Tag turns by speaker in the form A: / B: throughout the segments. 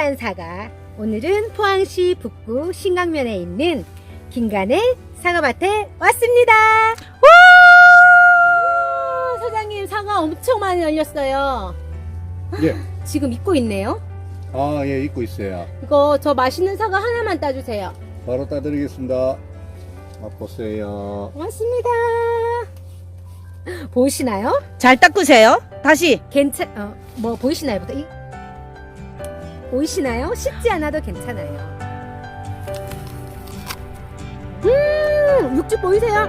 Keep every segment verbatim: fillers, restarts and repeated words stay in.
A: 동일한 사과. 오늘은 포항시 북구 신강면에 있는 김간의 사과밭에 왔습니다. 와! 사장님, 사과 엄청 많이 열렸어요.
B: 예.
A: 지금 익고 있네요.
B: 아, 예, 입고 있어요.
A: 이거 저 맛있는 사과 하나만 따주세요.
B: 바로 따드리겠습니다. 맛보세요.
A: 고맙습니다. 보이시나요?
C: 잘 닦으세요. 다시.
A: 괜찮, 어, 뭐 보이시나요? 이, 보이시나요? 씹지 않아도 괜찮아요. 음, 육즙 보이세요?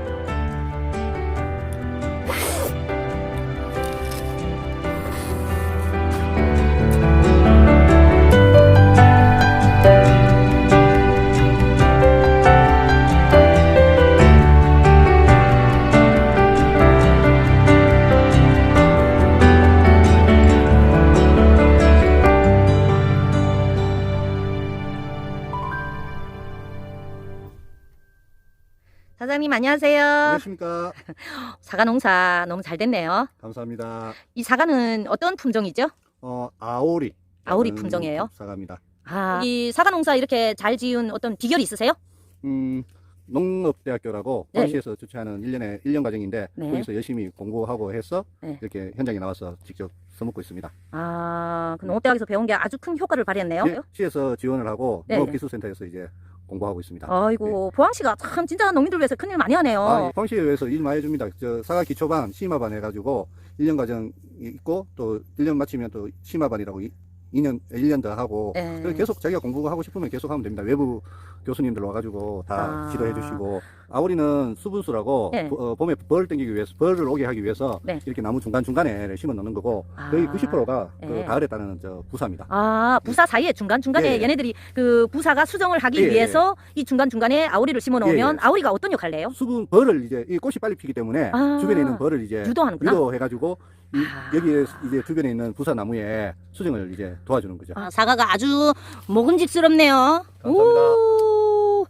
C: 사장님 안녕하세요.
B: 안녕하십니까.
C: 사과 농사 너무 잘 됐네요.
B: 감사합니다.
C: 이 사과는 어떤 품종이죠?
B: 어, 아오리.
C: 아오리 품종이에요?
B: 사과입니다.
C: 아, 이 사과 농사 이렇게 잘 지은 어떤 비결이 있으세요?
B: 음, 농업대학교라고
C: 네.
B: 포항시에서 주최하는 일 년의 일 년 과정인데
C: 네.
B: 거기서 열심히 공부하고 해서
C: 네.
B: 이렇게 현장에 나와서 직접 써먹고 있습니다.
C: 아, 그 농업대학에서 배운 게 아주 큰 효과를 발휘했네요.
B: 예, 시에서 지원을 하고
C: 네.
B: 농업기술센터에서 이제 공부하고 있습니다.
C: 아이고, 포항시가 참 진짜 농민들 위해서 큰일 많이 하네요.
B: 아, 포항시에 의해서 일 많이 해줍니다. 저 사과 기초반, 심화반 해가지고 일 년 과정이 있고 또 일 년 마치면 또 심화반이라고 이 년, 일 년 더 하고
C: 네.
B: 그래서 계속 자기가 공부하고 싶으면 계속 하면 됩니다. 외부 교수님들 와가지고 다
C: 아.
B: 지도해 주시고 아오리는 수분수라고
C: 네.
B: 보- 어, 봄에 벌을 땡기기 위해서 벌을 오게 하기 위해서
C: 네.
B: 이렇게 나무 중간중간에 심어 넣는 거고
C: 아.
B: 거의 구십 퍼센트가 그
C: 네.
B: 가을에 따르는 저 부사입니다.
C: 아, 부사 사이에 중간중간에
B: 예, 예.
C: 얘네들이 그 부사가 수정을 하기
B: 예, 예.
C: 위해서 이 중간중간에 아오리를 심어 놓으면
B: 예, 예.
C: 아오리가 어떤 역할을 해요?
B: 수분 벌을 이제 이 꽃이 빨리 피기 때문에
C: 아.
B: 주변에 있는 벌을 이제
C: 유도하는구나.
B: 유도해가지고 이,
C: 아.
B: 여기에 이제 주변에 있는 부사 나무에 수정을 이제 도와주는 거죠.
C: 아, 사과가 아주 먹음직스럽네요.
B: 감사합니다.
C: 오.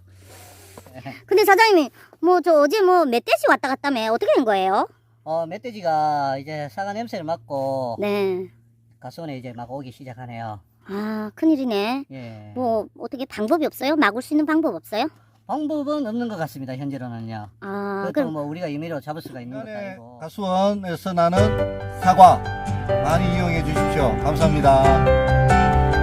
D: 근데 사장님이 뭐 저 어제 뭐 멧돼지 왔다 갔다며 어떻게 된 거예요?
E: 어, 멧돼지가 이제 사과 냄새를 맡고
D: 네.
E: 가수원에 이제 막 오기 시작하네요.
D: 아 큰일이네.
E: 예.
D: 뭐 어떻게 방법이 없어요? 막을 수 있는 방법 없어요?
E: 방법은 없는 것 같습니다. 현재로는요.
D: 아
E: 그것도
D: 그럼
E: 뭐 우리가 임의로 잡을 수가 있는 것도 아니고.
B: 가수원에서 나는 사과 많이 이용해 주십시오. 감사합니다.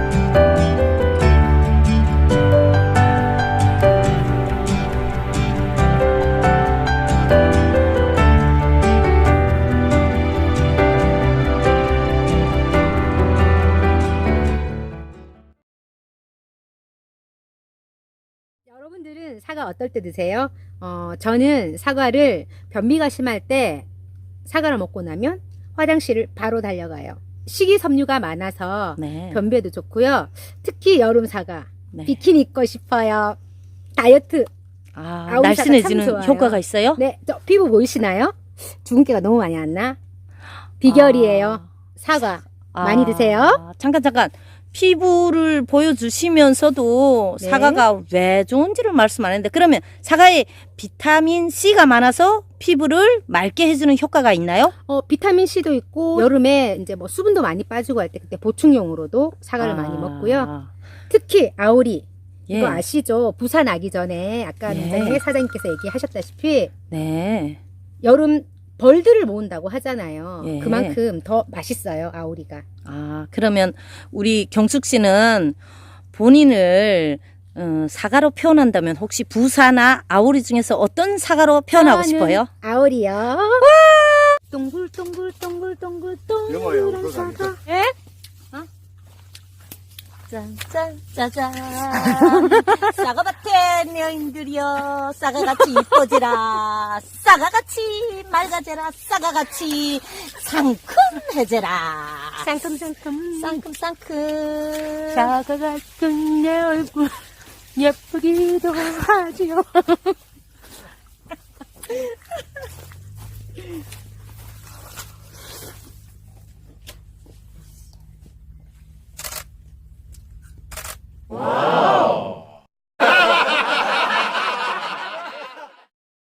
A: 여러분들은 사과 어떨 때 드세요? 어, 저는 사과를 변비가 심할 때 사과를 먹고 나면 화장실을 바로 달려가요. 식이섬유가 많아서
C: 네.
A: 변비에도 좋고요. 특히 여름 사과
C: 네.
A: 비키니 입고 싶어요. 다이어트.
C: 아,
A: 아오리 사과 참
C: 날씬해지는
A: 좋아요.
C: 효과가 있어요?
A: 네, 저 피부 보이시나요? 주근깨가 너무 많이 안 나? 비결이에요.
C: 아.
A: 사과
C: 아,
A: 많이 드세요.
C: 잠깐 잠깐. 피부를 보여주시면서도
A: 네.
C: 사과가 왜 좋은지를 말씀 안 했는데 그러면 사과에 비타민 C가 많아서 피부를 맑게 해주는 효과가 있나요?
A: 어, 비타민 C도 있고 여름에 이제 뭐 수분도 많이 빠지고 할 때 그때 보충용으로도 사과를
C: 아.
A: 많이 먹고요. 특히 아오리
C: 예.
A: 이거 아시죠? 부산 나기 전에 아까
C: 예.
A: 이제 사장님께서 얘기하셨다시피
C: 네.
A: 여름 벌들을 모은다고 하잖아요.
C: 예.
A: 그만큼 더 맛있어요, 아오리가.
C: 아, 그러면 우리 경숙 씨는 본인을 어, 사과로 표현한다면 혹시 부사나 아오리 중에서 어떤 사과로 표현하고
A: 저는
C: 싶어요?
A: 아오리요. 동글동글동글동글
B: 영어예요,
A: 동그란
B: 그거
A: 사과.
B: 아니죠?
C: 예? 짠짠 짜잔 사과밭에 여인들이여 사과같이 이뻐지라 사과같이 맑아져라 사과같이 상큼해져라
A: 상큼상큼
C: 상큼상큼
A: 사과 같은 내 얼굴 예쁘기도 하지요.